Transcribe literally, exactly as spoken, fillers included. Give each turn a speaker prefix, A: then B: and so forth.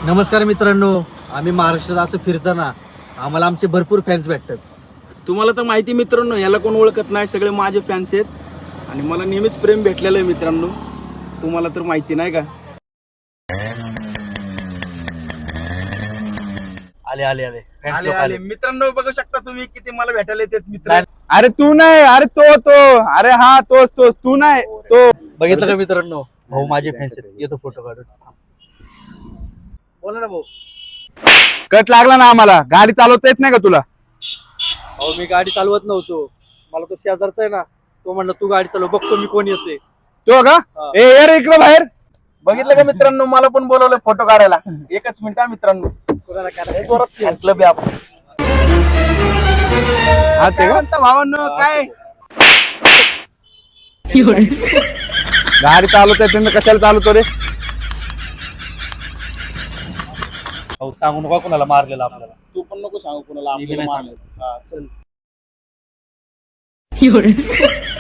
A: नमस्कार मित्रांनो, आम्ही महाराष्ट्रात असं फिरताना आम्हाला आमचे भरपूर फॅन्स भेटतात.
B: तुम्हाला तर माहिती मित्रांनो, याला कोण ओळखत नाही, सगळे माझे फॅन्स आहेत आणि मला नेहमीच प्रेम भेटलेलं आहे मित्रांनो. तुम्हाला तर माहिती नाही का.
A: आले आले आले फॅन्स
B: आले
A: लोक
B: आले
A: आले.
B: मित्रांनो, बघू शकता तुम्ही किती मला भेटायला येतात मित्र.
C: अरे तू नाही, अरे तो तो अरे हा तोच तोच तू नाही तो.
A: बघितलं का मित्रांनो, भाऊ माझे फॅन्स आहेत. येतो फोटो काढून. बोला ना भाऊ.
C: कट लागला ना आम्हाला. गाडी चालवता येत नाही का तुला?
A: अहो मी गाडी चालवत नव्हतो, मला तो शेजारचा आहे ना, तो म्हणला तू गाडी चालव, बघतो मी कोण येते.
C: तो का?
A: हा.
C: ए यार इकडं बाहेर.
B: बघितलं का मित्रांनो, मला पण बोलवलं फोटो काढायला. एकच मिनिट हा मित्रांनो.
A: कोणाला काय
B: क्लब आहे आपण.
C: हा ते
B: काय
C: का?
B: म्हणता भावांनो, काय
C: गाडी चालवता येत नाही, कशाला चालवतो रे?
A: भाऊ सांगू नका कोणाला मारलेला आपल्याला.
B: तू पण नको सांगू कोणाला
A: मी बी
B: आपल्याला
A: नाही
B: मारलं. हा, चल.